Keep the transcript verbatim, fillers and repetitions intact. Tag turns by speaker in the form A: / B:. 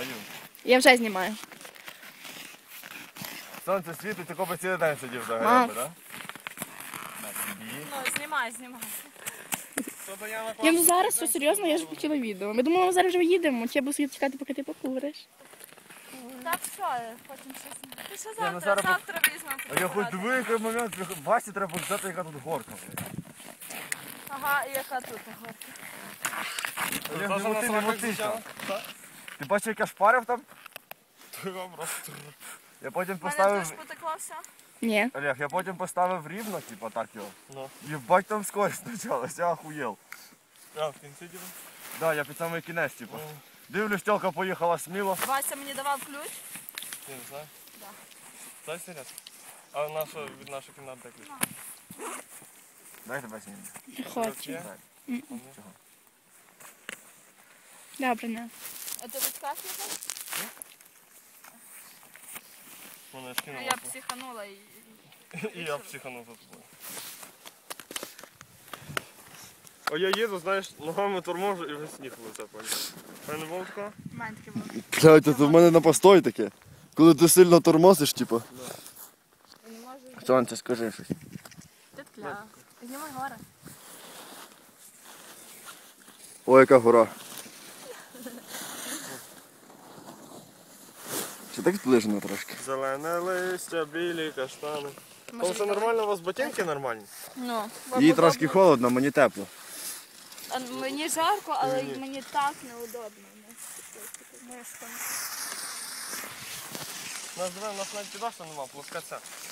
A: Аню.
B: Я вже знімаю.
A: Сонце світить, тако би цілий день сидів за
B: Мам.
A: гриби, так? На тобі.
C: Ну, знімай, знімай.
B: Я ну зараз, що серйозно, я ж хотіла відео. Ми думали, ми зараз вже їдемо, чи я буду сидіти чекати, поки ти покуриш.
C: Так що, потім щось. Ти що
A: ну
C: завтра,
A: зараз
C: завтра візьмемо.
A: А я хоч диви, який момент, Васі треба показати, яка тут горка.
C: Ага, і яка тут горка?
A: Я не моти, не моти там. Ти бачив, як я шпарив там? Я потім
C: У мене
A: поставив...
C: теж потекло все.
B: Ні.
A: Олег, я потім поставив рівно, типа так його.
D: Ну.
A: Єбать там скорость почалась, я охуєл.
D: А, в кінці діли?
A: Да, я під самий кінець, типу. Дивлюсь, тілка поїхала сміло.
C: Вася мені давав ключ.
D: Я не знаю.
C: Да.
D: Дай синяк. А наша, від нашої кімнати де ключ?
A: Дайте тебе сьогодні.
B: Не хочу.
D: Є?
A: Чого?
B: Добре, не.
C: А ти відказ їхав?
D: Вона
C: Ну,
D: скинула.
C: я психанула і...
D: І я психанув за тобою. А я їду, знаєш, ногами торможу і вже сніг лице, поняв. А не було такого?
C: У мене таке було.
E: Блядь, це в мене на постой таке. Коли ти сильно тормозиш, типу.
C: Я не можу...
E: Сонце, скажи щось.
C: Ти тля. Знімай гори.
E: Ой, яка гора. Чи так зближено трошки?
D: Зелене листя, білі каштани. Там все нормально, у вас ботинки нормальні?
C: Ну,
E: Їй трошки холодно, мені тепло.
C: А мені жарко, але й мені так неудобно.
D: У нас, диви, у нас навіть підошва нема, плоскаця.